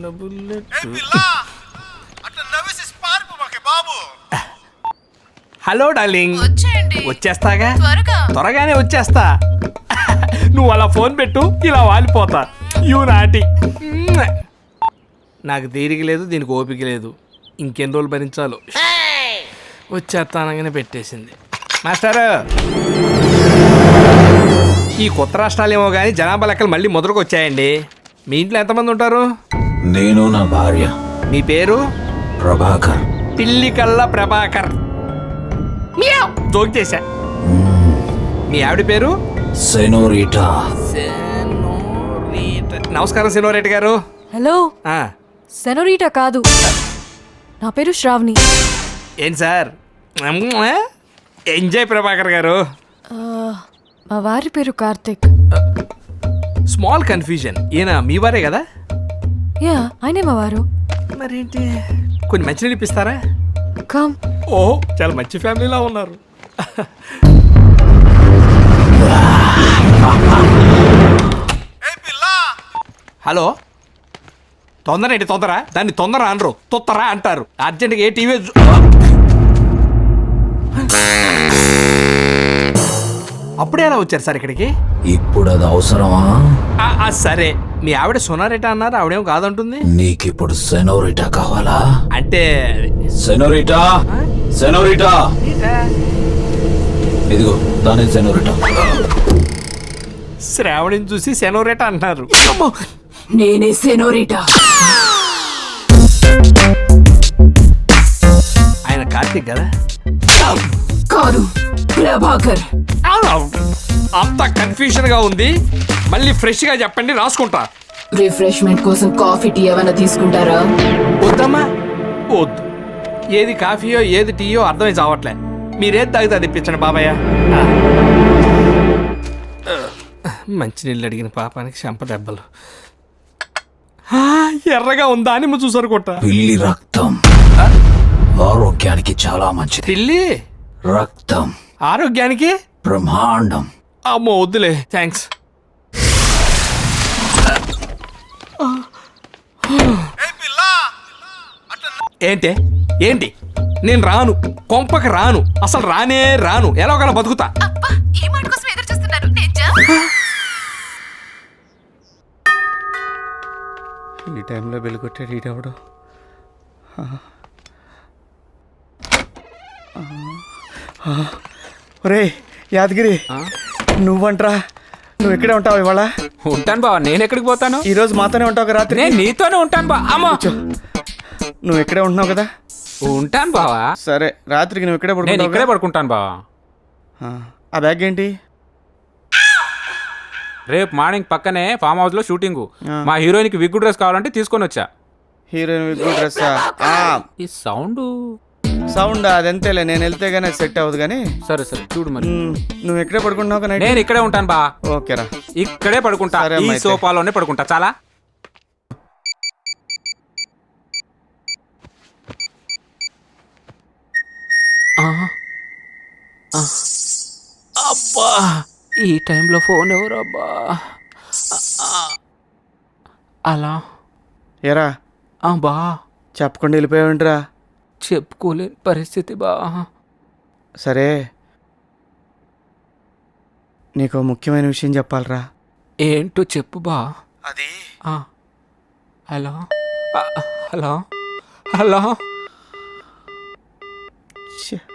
Hello darling, వచ్చేస్తాగా, త్వరగానే వచ్చేస్తా. నువ్వు అలా ఫోన్ పెట్టు, ఇలా వాలిపోతా. You naughty. నాకు తీరిక లేదు, దీనికి ఓపిక లేదు. ఇంకెన్ని రోజులు భరించాలో. వచ్చేస్తానగానే పెట్టేసింది. మాస్టారు, ఈ కొత్త రాష్ట్రాలేమో కానీ జనాభా లెక్కలు మళ్ళీ మొదలుకు వచ్చాయండి. మీ ఇంట్లో ఎంతమంది ఉంటారు? నేను, నా భార్య. మీ పేరు? ప్రభాకర్. పిల్లి కల్లా ప్రభాకర్. జోక్ చేశా. మీ ఆవిడ పేరు? సెనోరిటా. నమస్కారం సెనోరిటా గారు. హలో. సెనోరిటా కాదు, నా పేరు శ్రావణి. ఏం సార్? ఎంజాయ్ ప్రభాకర్ గారు. మా వారి పేరు కార్తిక్. Small confusion. ఈయన మీ వారే కదా? యా, ఆయనే మా వారు. మరేంటి, కొన్ని మంచినీళ్ళు ఇప్పిస్తారా? కమ్. ఓహో, చాలా మంచి ఫ్యామిలీలా ఉన్నారు. హలో, తొందర ఏంటి తొందర? దాన్ని తొందర అనరు, తొత్తరా అంటారు. అర్జెంట్గా ఏ టీవీ. అప్పుడే ఎలా వచ్చారు సార్ ఇక్కడికి? ఇప్పుడు అది అవసరమా? సరే, మీ ఆవిడ సొనారిటా అన్నారు, ఆవిడేం కాదంటుంది. నీకిప్పుడు సెనోరిటా కావాలా? అంటే సెనోరిటా, సెనోరిటా, ఇదిగో దాని సెనోరిటా. శ్రావణిని చూసి సెనోరిటా అంటున్నారు. నేనే సెనోరిటా. ఆయన కార్తీక్ కదా? కాదు, ప్రభాకర్. అంత కన్ఫ్యూజన్ గా ఉంది. మళ్ళీ ఫ్రెష్ గా చెప్పండి, రాసుకుంటా. రిఫ్రెష్మెంట్ కోసం కాఫీ టీ ఏమైనా తీసుకుంటారా? వద్దమ్మా, వద్దు. ఏది కాఫీయో ఏది టీయో అర్థమై చావట్లే. మీరేది తాగితే అది ఇప్పించండి బాబాయ్య. మంచినీళ్ళు అడిగిన పాపానికి చెంప దెబ్బలు. ఎర్రగా ఉందా అని చూసారు కొట్ట. పిల్లి రక్తం ఆరోగ్యానికి చాలా మంచిది. పిల్లి రక్తం ఆరోగ్యానికి బ్రహ్మాండం. అమ్మో వద్దులే, థ్యాంక్స్. ఏంటి ఏంటి? నేను రాను, కొంపకి రాను, అసలు రానే రాను. ఎలా ఒకలా బతుకుతా. ఈ టైంలో వెలుగొట్టాడు ఈడెవడు? ఒరే యాదగిరి, నువ్వంట్రా, నువ్వు ఎక్కడే ఉంటావు ఇవాళ? ఉంటాను బావ. నేను ఎక్కడికి పోతాను? ఈ రోజు మాతోనే ఉంటావు రాత్రి? నేను నీతోనే ఉంటాను బా. అమ్మా, నువ్వు ఎక్కడే ఉంటున్నావు కదా? ఉంటాను బావా. సరే, రాత్రికి నువ్వు ఇక్కడే నేను ఇక్కడే పడుకుంటాను బావా. ఆ బ్యాగ్ ఏంటి? రేపు మార్నింగ్ పక్కనే ఫామ్ హౌస్ లో షూటింగ్. మా హీరోయిన్ కి విగ్ డ్రెస్ కావాలంటే తీసుకొని వచ్చా. Heroine wig dress? ఈ సౌండ్ సౌండ్ అదంతేలే, నేను వెళ్తే గానీ సెట్ అవ్వదు కానీ. సరే సరే చూడు మరి. నువ్వు ఎక్కడే పడుకుంటున్నావు కదా? నేను ఇక్కడే ఉంటాను బా. ఓకేరా, ఇక్కడే పడుకుంటా. ఈ సోఫాలోనే పడుకుంటా. చాలా. అబ్బా, ఈ టైంలో ఫోన్ ఎవరబ్బా? అలా ఎరా బా. చెప్పకుండా వెళ్ళిపోయావంటరా? చెప్పుకోలేని పరిస్థితి బా. సరే, నీకు ముఖ్యమైన విషయం చెప్పాలరా. ఏంటో చెప్పు బా. అది హలో హలో హలో.